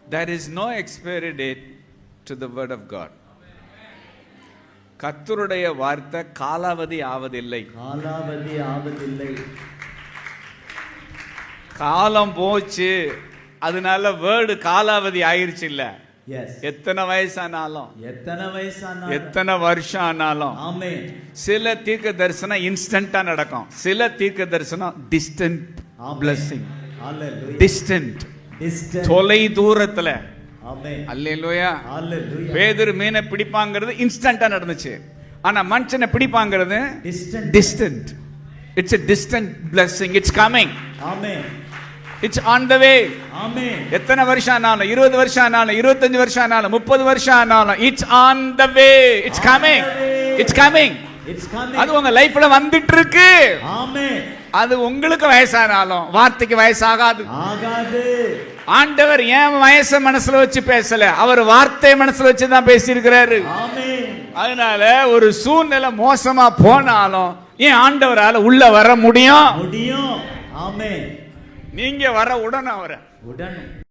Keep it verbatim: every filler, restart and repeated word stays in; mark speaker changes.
Speaker 1: There is no expiry date to the word of God. கர்த்தருடைய வார்த்தை காலாவதி ஆவதில்லை.
Speaker 2: காலாவதி ஆவதில்லை.
Speaker 1: காலம் போச்சு, அதனால வேர்டு காலாவதி ஆயிருச்சு இல்ல. எத்தனை வயசானாலும்,
Speaker 2: எத்தனை வயசானாலும்,
Speaker 1: எத்தனை வருஷம் ஆனாலும்,
Speaker 2: ஆமென்.
Speaker 1: சில தீர்க்க தரிசனம் இன்ஸ்டன்ட்டா நடக்கும், சில தீர்க்க தரிசனம் distant blessing.
Speaker 2: Hallelujah.
Speaker 1: Distant,
Speaker 2: distant,
Speaker 1: தொலை தூரத்துல.
Speaker 2: ஆமென்.
Speaker 1: அல்லேலூயா.
Speaker 2: ஹalleluya.
Speaker 1: பேதுரு மீனை பிடிப்பாங்கிறது இன்ஸ்டன்ட்டா நடந்துச்சு, ஆனா மனுஷனை பிடிப்பாங்கிறது
Speaker 2: distant,
Speaker 1: distant. It's a distant blessing. It's coming.
Speaker 2: Amen.
Speaker 1: It's on the way.
Speaker 2: Amen.
Speaker 1: எத்தனை வருஷம் ஆனாலும், இருபது வருஷம் ஆனாலும், இருபத்தஞ்சு வருஷம் ஆனாலும், முப்பது வருஷம் ஆனாலும், it's on the way. It's coming. It's coming.
Speaker 2: It's coming.
Speaker 1: அது உங்க லைஃப்ல வந்துட்டு இருக்கு.
Speaker 2: ஆமென்.
Speaker 1: அது உங்களுக்கு வயசானாலும் வார்த்தைக்கு வயசாகாது.
Speaker 2: ஆகாது.
Speaker 1: ஆண்டவர் ஏன் வயசை மனசுல வச்சு பேசல, அவர் வார்த்தை மனசுல வச்சு தான் பேசி இருக்கிறாரு.
Speaker 2: ஆமென்.
Speaker 1: அதனால ஒரு சூழ்நிலை மோசமா போனாலும் ஏன் ஆண்டவரால உள்ள வர முடியும்.
Speaker 2: முடியும். ஆமென்.
Speaker 1: நீங்க வர உடனே அவரை
Speaker 2: உடனே